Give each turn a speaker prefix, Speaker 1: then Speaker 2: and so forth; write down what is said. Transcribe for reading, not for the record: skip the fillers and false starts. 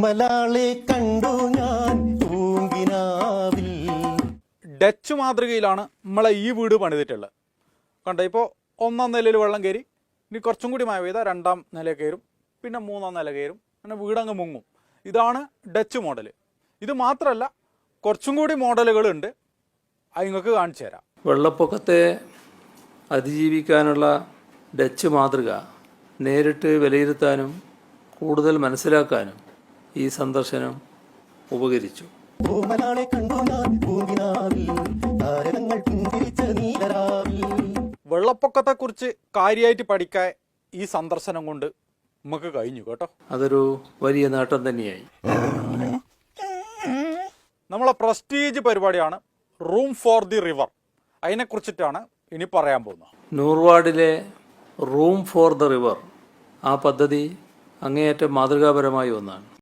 Speaker 1: ഓമലാളെ കണ്ടു ഞാൻ പൂങ്കിനാവിൽ.
Speaker 2: ഡച്ച് മാതൃകയിലാണ് നമ്മളെ ഈ വീട് പണിതിട്ടുള്ളത്. കണ്ടോ, ഇപ്പോൾ 1ാം നിലയിൽ വെള്ളം കയറി, ഇനി കുറച്ചും കൂടി മഴ പെയ്താൽ 2ാം നില കയറും, പിന്നെ 3ാം നില കയറും, അങ്ങനെ വീടങ്ങ് മുങ്ങും. ഇതാണ് ഡച്ച് മോഡൽ. ഇത് മാത്രമല്ല, കുറച്ചും കൂടി മോഡലുകളുണ്ട്, അത് നിങ്ങൾക്ക് കാണിച്ചു തരാം.
Speaker 3: വെള്ളപ്പൊക്കത്തെ അതിജീവിക്കാനുള്ള ഡച്ച് മാതൃക നേരിട്ട് വിലയിരുത്താനും കൂടുതൽ മനസ്സിലാക്കാനും ഈ സന്ദർശനം ഉപകരിച്ചു.
Speaker 1: ഓമലാളെ കണ്ടു ഞാൻ പൂങ്കിനാവിൽ, താരകങ്ങൾ പുഞ്ചിരിച്ച നീലരാവിൽ.
Speaker 2: വെള്ളപ്പൊക്കത്തെക്കുറിച്ച് കാര്യമായിട്ട് പഠിക്കാൻ ഈ സന്ദർശനം കൊണ്ട് നമുക്ക് കഴിഞ്ഞു കേട്ടോ.
Speaker 3: അതൊരു വലിയ നേട്ടം തന്നെയായി.
Speaker 2: നമ്മളെ പ്രസ്റ്റീജ് പരിപാടിയാണ് റൂം ഫോർ ദി റിവർ. അതിനെക്കുറിച്ചിട്ടാണ് ഇനി പറയാൻ പോകുന്നത്.
Speaker 3: നൂർവാഡിലെ റൂം ഫോർ ദ റിവർ ആ പദ്ധതി അങ്ങേയറ്റം മാതൃകാപരമായ ഒന്നാണ്.